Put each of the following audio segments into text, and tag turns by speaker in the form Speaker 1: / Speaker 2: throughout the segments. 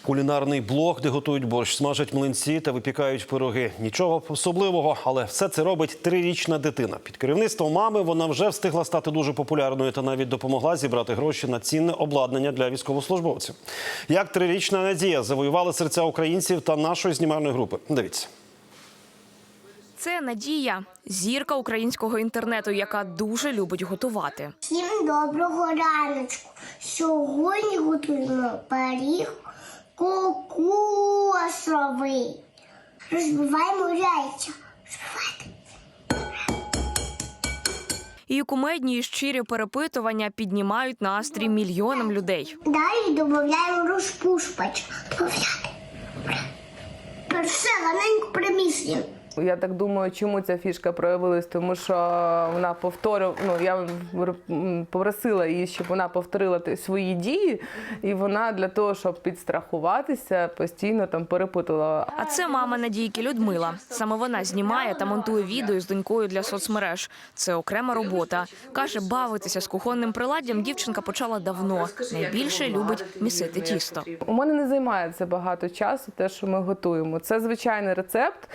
Speaker 1: Кулінарний блог, де готують борщ, смажать млинці та випікають пироги. Нічого особливого, але все це робить 3-річна дитина. Під керівництвом мами вона вже встигла стати дуже популярною та навіть допомогла зібрати гроші на цінне обладнання для військовослужбовців. Як 3-річна Надія завоювала серця українців та нашої знімальної групи. Дивіться.
Speaker 2: Це Надія – зірка українського інтернету, яка дуже любить готувати.
Speaker 3: Всім доброго раночку. Сьогодні готуємо пиріг кокосовий. Розбиваємо яйця.
Speaker 2: Її кумедні і щирі перепитування піднімають настрій мільйонам людей.
Speaker 3: Далі додаємо розпушувач. Все раненько приміщення.
Speaker 4: Я так думаю, чому ця фішка проявилась, тому що вона я попросила її, щоб вона повторила свої дії, і вона для того, щоб підстрахуватися, постійно там перепитувала.
Speaker 2: А це мама Надійки Людмила. Саме вона знімає та монтує відео з донькою для соцмереж. Це окрема робота. Каже, бавитися з кухонним приладдям дівчинка почала давно. Найбільше любить місити тісто.
Speaker 4: У мене не займає це багато часу, те, що ми готуємо. Це звичайний рецепт.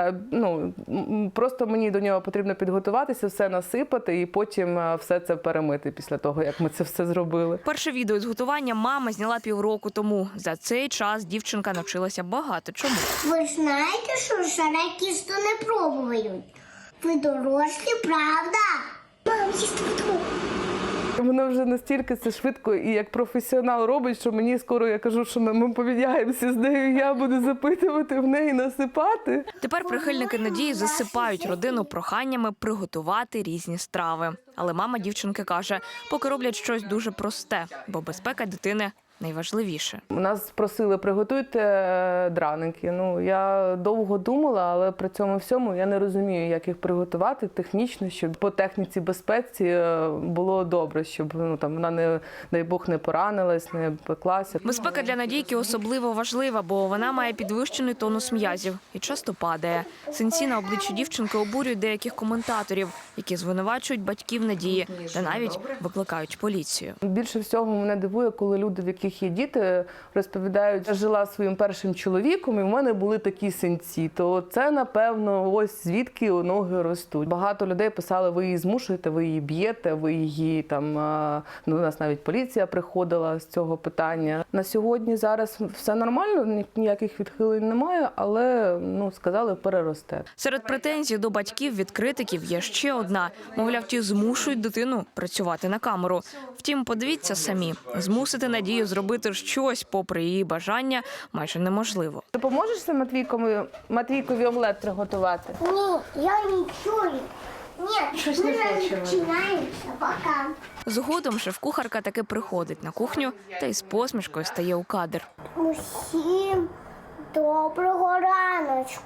Speaker 4: Просто мені до нього потрібно підготуватися, все насипати і потім все це перемити після того, як ми це все зробили.
Speaker 2: Перше відео з готування мама зняла півроку тому. За цей час дівчинка навчилася багато чому.
Speaker 3: Ви знаєте, що шаре тісто не пробують? Ви дорослі, правда? Мам, їсти буду.
Speaker 4: Вона вже настільки це швидко і як професіонал робить, що мені скоро, я кажу, що ми поміняємося з нею, я буду запитувати в неї, насипати.
Speaker 2: Тепер прихильники Надії засипають родину проханнями приготувати різні страви. Але мама дівчинки каже, поки роблять щось дуже просте, бо безпека дитини найважливіше.
Speaker 4: Нас просили, приготуйте драники. Я довго думала, але при цьому всьому я не розумію, як їх приготувати технічно, щоб по техніці безпеці було добре, щоб вона, не, дай Бог, не поранилась, не пеклася.
Speaker 2: Безпека для Надійки особливо важлива, бо вона має підвищений тонус м'язів і часто падає. Синці на обличчі дівчинки обурюють деяких коментаторів, які звинувачують батьків Надії та навіть викликають поліцію.
Speaker 4: Більше всього мене дивує, коли люди, в яких є діти, розповідають, я жила зі своїм першим чоловіком і в мене були такі синці. То це, напевно, ось звідки ноги ростуть. Багато людей писали, ви її змушуєте, ви її б'єте, ви її там, у нас навіть поліція приходила з цього питання. На сьогодні зараз все нормально, ніяких відхилень немає, але, сказали, переросте.
Speaker 2: Серед претензій до батьків від критиків є ще одна. Мовляв, ті змушують дитину працювати на камеру. Втім, подивіться самі, змусити Надію зробити щось, попри її бажання, майже неможливо.
Speaker 4: Допоможеш Матвійкові омлет приготувати?
Speaker 3: Ні, я не чую. Ні,
Speaker 4: Щось не хочемо.
Speaker 3: починаємося, пока.
Speaker 2: Згодом шеф-кухарка таки приходить на кухню та із посмішкою стає у кадр.
Speaker 3: Усім доброго раночку.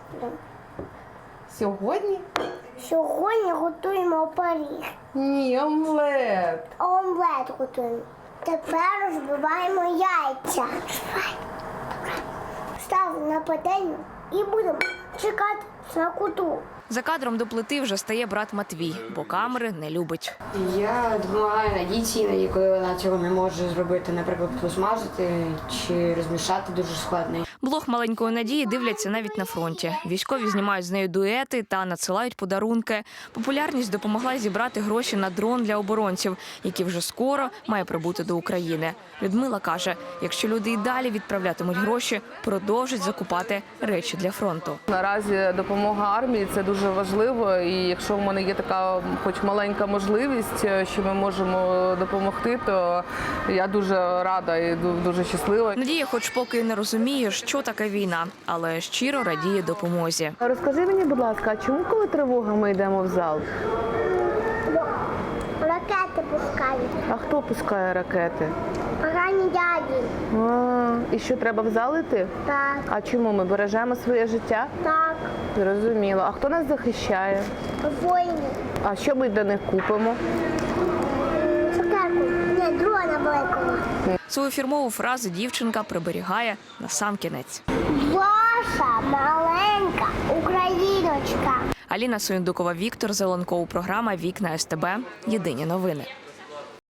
Speaker 4: Сьогодні?
Speaker 3: Сьогодні готуємо пиріг.
Speaker 4: Ні, омлет.
Speaker 3: Омлет готуємо. Тепер розбиваємо яйця. Ставимо на пательню і будемо чекати смакоту.
Speaker 2: За кадром до плити вже стає брат Матвій, бо камери не любить.
Speaker 5: Я допомагаю Надійці, іноді, коли вона цього не може зробити, наприклад, посмажити чи розмішати дуже складно.
Speaker 2: Блог маленької Надії дивляться навіть на фронті. Військові знімають з нею дуети та надсилають подарунки. Популярність допомогла зібрати гроші на дрон для оборонців, який вже скоро має прибути до України. Людмила каже, якщо люди і далі відправлятимуть гроші, продовжать закупати речі для фронту.
Speaker 4: Наразі допомога армії – це дуже важливо, і якщо в мене є така хоч маленька можливість, що ми можемо допомогти, то я дуже рада і дуже щаслива.
Speaker 2: Надія хоч поки і не розуміє, що таке війна, але щиро радіє допомозі.
Speaker 4: Розкажи мені, будь ласка, а чому, коли тривога, ми йдемо в зал?
Speaker 3: Ракети пускають.
Speaker 4: А хто пускає ракети?
Speaker 3: Погані дяді.
Speaker 4: І що, треба в зал йти?
Speaker 3: Так,
Speaker 4: А чому, ми бережемо своє життя?
Speaker 3: так.
Speaker 4: Зрозуміло. А хто нас захищає?
Speaker 3: Воїни.
Speaker 4: А що ми для них купимо?
Speaker 3: Цукерку. Ні, дрона великого.
Speaker 2: Свою фірмову фразу дівчинка приберігає на сам кінець.
Speaker 3: Ваша маленька україночка.
Speaker 2: Аліна Суєндукова, Віктор Зеленков. Програма «Вікна СТБ». Єдині новини.